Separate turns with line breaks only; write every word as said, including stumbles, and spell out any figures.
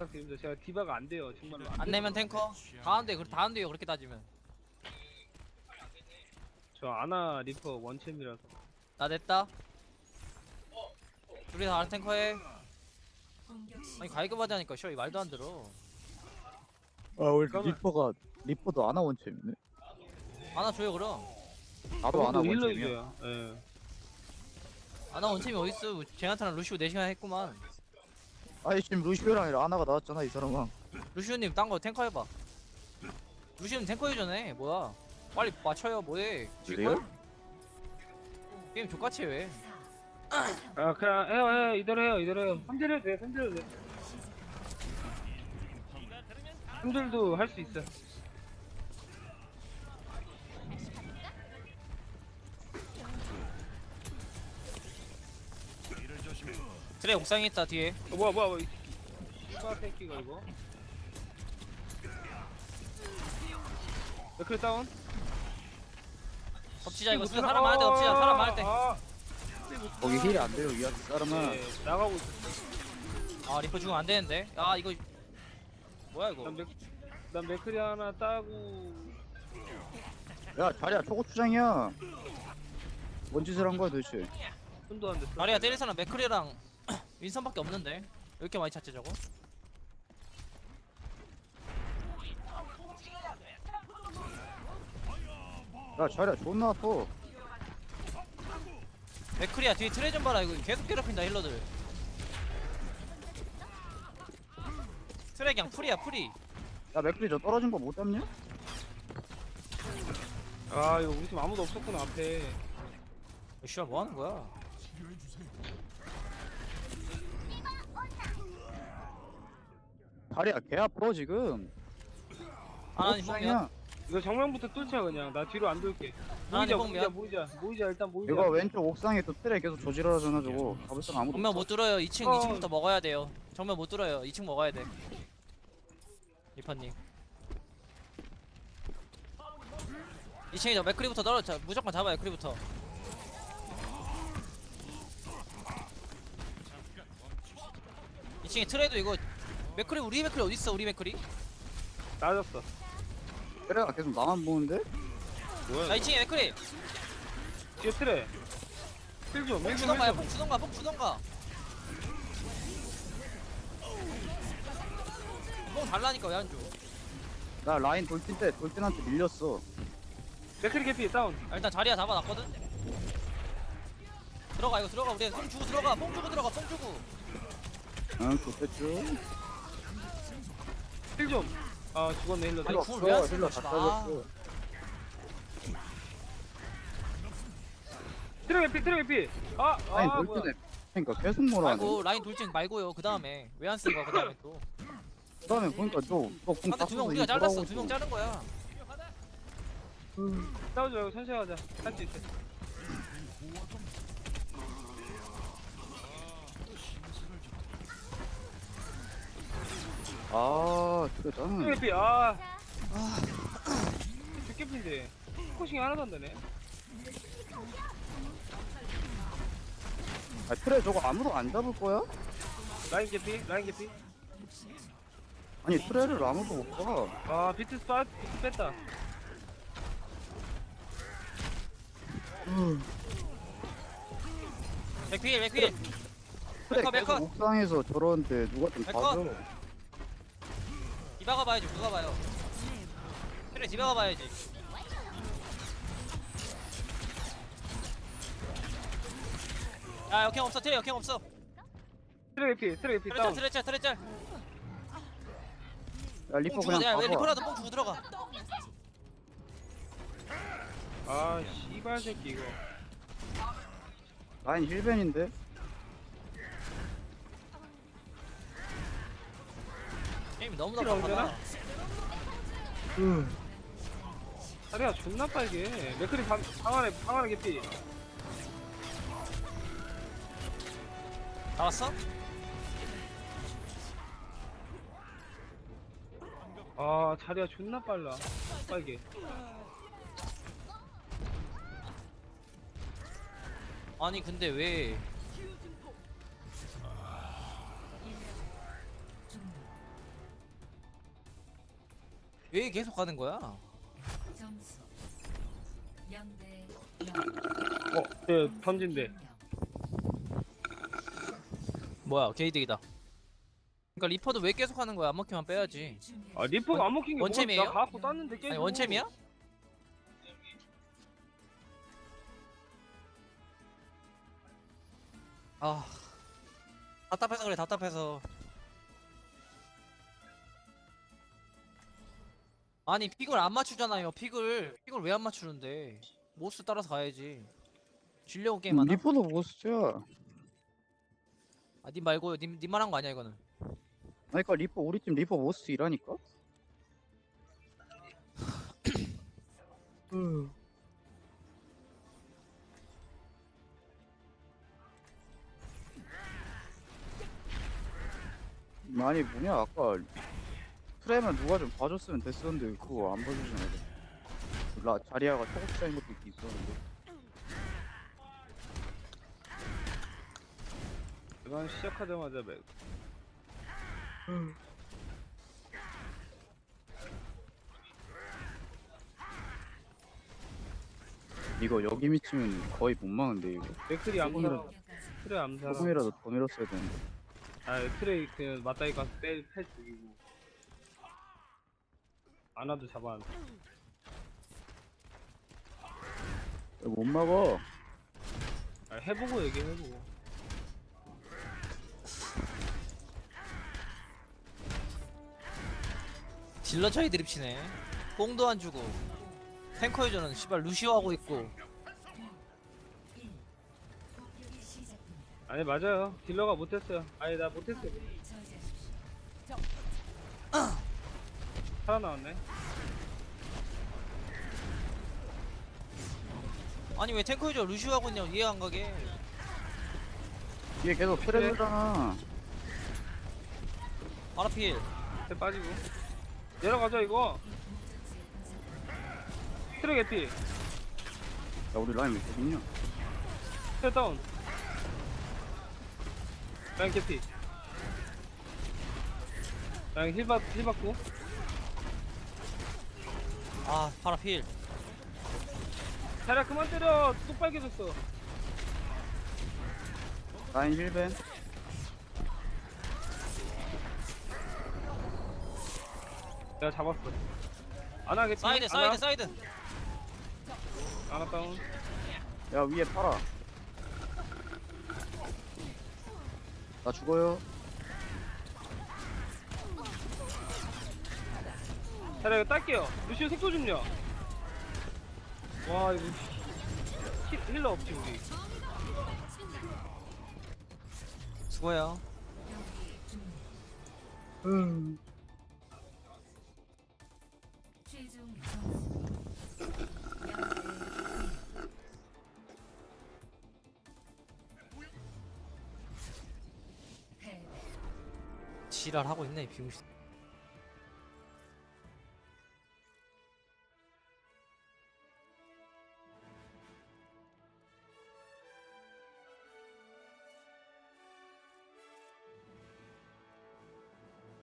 부탁드립니다. 제가 디바가 안 돼요. 정말로
안 내면 탱커 다 한대 다 한대요 그렇게 따지면.
저 아나 리퍼 원챔이라서.
나 냈다. 둘이 다 탱커해. 아니 가이그바디 하니까 쇼이 말도 안 들어.
아 우리
그러면-
리퍼가 리퍼도 아나 원챔이네.
아나 줘요 그럼.
나도 아나
힐러
원챔이야.
이겨요. 예.
아나 원챔이 어딨어. 제나타랑 루시오 네 시간 했구만.
아니 지금 루시오랑 아니라 아나가 나왔잖아 이 사람아.
루시오님 딴 거 탱커 해봐. 루시오님 탱커 해전에 뭐야. 빨리 맞춰요 뭐해.
그래요?
질걸? 게임 족같이 왜.
아 그냥 해요 해요 이대로 해요 이대로 해요. 삼딜 해도 돼 삼딜 해도 돼. 삼딜도 할 수 있어.
트레 옥상에 있다 뒤에.
어, 뭐야 뭐야 뭐야 이 씨발 새끼가 이거. 맥클 다운.
덮치자 이거 사람 많을 때 덮치자 사람 많을 때.
아,
거기 힐이 안 돼요 이 사람아.
네, 나가고 있어.
아 리퍼 죽으면 안 되는데. 아 이거 뭐야 이거.
난, 맥, 난 맥클이 하나 따고.
야 자리야 초고추장이야. 뭔 짓을 한 거야 도대체.
손도 안 됐어.
마리아 때릴 사람 맥크리랑 윈선밖에 없는데 왜 이렇게 많이 찾지 저거?
야 자리야 존나 아파.
맥크리야 뒤에 트레 좀 봐라 이거 계속 괴롭힌다 힐러들. 트레 그냥 풀이야 풀이.
야 맥클이 저 떨어진 거 못 잡냐?
아 이거 우리 팀 아무도 없었구나 앞에.
어, 씨발 뭐 하는 거야?
다리야 개 아파 지금.
아나니 뽕이야.
초고추장이야.
이거 정면부터 뚫자 그냥. 나 뒤로 안 돌게.
아니,
모이자
뽕이야.
모이자 모이자 모이자 일단 모이자.
이거 왼쪽 옥상에 또 트레 계속 조질하잖아 저거. 가볼 사람 아무도
정면
없어.
못 뚫어요. 이 층
어.
이 층부터 먹어야 돼요. 정면 못 뚫어요. 이 층 먹어야 돼. 리파님. 이 층에 저 맥크리부터 떨어져. 무조건 잡아요. 크리부터. 이 층에 트레도 이거 맥크리 우리 맥크리 어디 있어? 우리 맥크리?
나졌어.
트레가 계속 나만 보는데?
뭐야?
자, 이 층에 맥크리.
뒤에 트레. 힐좀
뽕
힐좀
주던가, 야,
힐좀.
뽕 주던가, 뽕 주던가. 뽕 달라니까 왜 안 줘?
나 라인 돌진 때 돌진한테 밀렸어.
맥클이 개피 다운.
아, 일단 자리야 잡아놨거든. 들어가 이거 들어가 우리 뽕 주고 들어가, 뽕 주고 들어가, 뽕 주고.
응 좋겠죠.
힐좀. 아 죽었네 힐러.
아니,
힐러
궁을 왜안
없어.
쓰는
힐러
거지?
다
아.
따졌어.
트레 개피 트레 개피. 아,
라인
아 뭐야.
돌진해. 그러니까 계속 뭐라
말고
하네.
라인 돌진 말고요. 그 다음에 왜 안 쓴 거야? 그 다음에 또.
그다음에 보니까 너너공
한대 두명 우리가 잘랐어. 두 명 자른 거야.
싸우지 말고 천천히 하자. 할 수 있어.
아 그래
트레
짱.
개피. 아. 아. 죽개피인데. 코싱이 하나도 안 되네.
아 트레 저거 아무도 안 잡을 거야?
라인 개피 라인 개피.
아니 트레를 아무도 못 봐.
아 비트 스팟 비트 뺐다.
맥필 맥필.
트레
메커,
계속
메커.
옥상에서 저러는데 누가 좀
메커.
봐줘.
디바가 봐야지. 누가 봐요? 그래 디바가 봐야지. 야 역행 없어. 트레 역행 없어.
트레 개피 트레 개피
트레 짤
다운.
트레 짤 트레 짤.
야 리퍼
뽕 주고
그냥
야왜
봐봐.
리퍼라도 뽕 주고 들어가.
아 씨발 새끼 이거.
라인 힐벤인데?
게임이 너무
트레
답답하다.
언제나? 다리가 존나 빨개. 맥클이 방, 방 안에 방 안에 개피.
나왔어?
아 자리가 존나 빨라. 빨개.
아니 근데 왜 왜 계속 가는 거야?
점수 영 대
어, 저 던진대.
뭐야 게이득이다. 그러니까 리퍼도 왜 계속 하는 거야? 안 먹히면 빼야지.
아, 리퍼가 안 먹힌 게 뭐가
원챔이에요?
나 갖고 땄는데 계속.
아니 원챔이야? 아 답답해서 그래 답답해서. 아니 픽을 안 맞추잖아요. 픽을 픽을 왜 안 맞추는데? 모스 따라서 가야지. 질려고 게임 하나?
리포도 보스야.
아 님 말고요. 님 님만 한 거 아니야 이거는.
아니 그니까 리포 우리 팀 리포 보스 이라니까. 아니 뭐냐 아까 프레임은 누가 좀 봐줬으면 됐었는데 그거 안 봐주잖아. 라 자리아가 초고추장인 것도 있긴 있었는데.
이건 시작하자마자 매.
이거 여기 미치면 거의 못 막는데 이거.
맥클이 암살.
공격까지
트레 암살.
조금이라도 더 밀었어야 되는데.
아, 트레 그냥 맞다이 가서 빼, 패 죽이고. 아나도 잡아.
이거 못 막어.
아, 해보고 얘기해보고.
딜러 차이 드립 치네. 뽕도 안 주고. 탱커 유저는 씨발 루시오 하고 있고.
공격이 시작됩니다.
아니 맞아요. 딜러가 못했어요. 아니 나 못했어요.
저지하십시오.
살아나왔네.
아니 왜 탱커 유저 루시오 하고 있냐고 이해 안 가게.
이게 계속 트레블잖아.
아라필.
해 빠지고. 내려가자 이거. 트레 개피.
야 우리 라인 왜 여기 있냐?
트레 다운. 라인 개피. 라인 힐 받, 힐 받고.
아 파라필.
자리야 그만 때려. 또 빨개졌어.
라인 힐벤.
내가 잡았어. 아나 개피.
사이드 사이드
아나,
사이드.
아나 다운.
야 위에 팔아. 나 죽어요.
자리야 이거 딸게요. 루시오 색소 좀요. 와 이거 힐, 힐러 없지 우리.
수고해요.
음.
최종 점수 영 대 일. 패배.
지랄 하고 있네 이 비용신.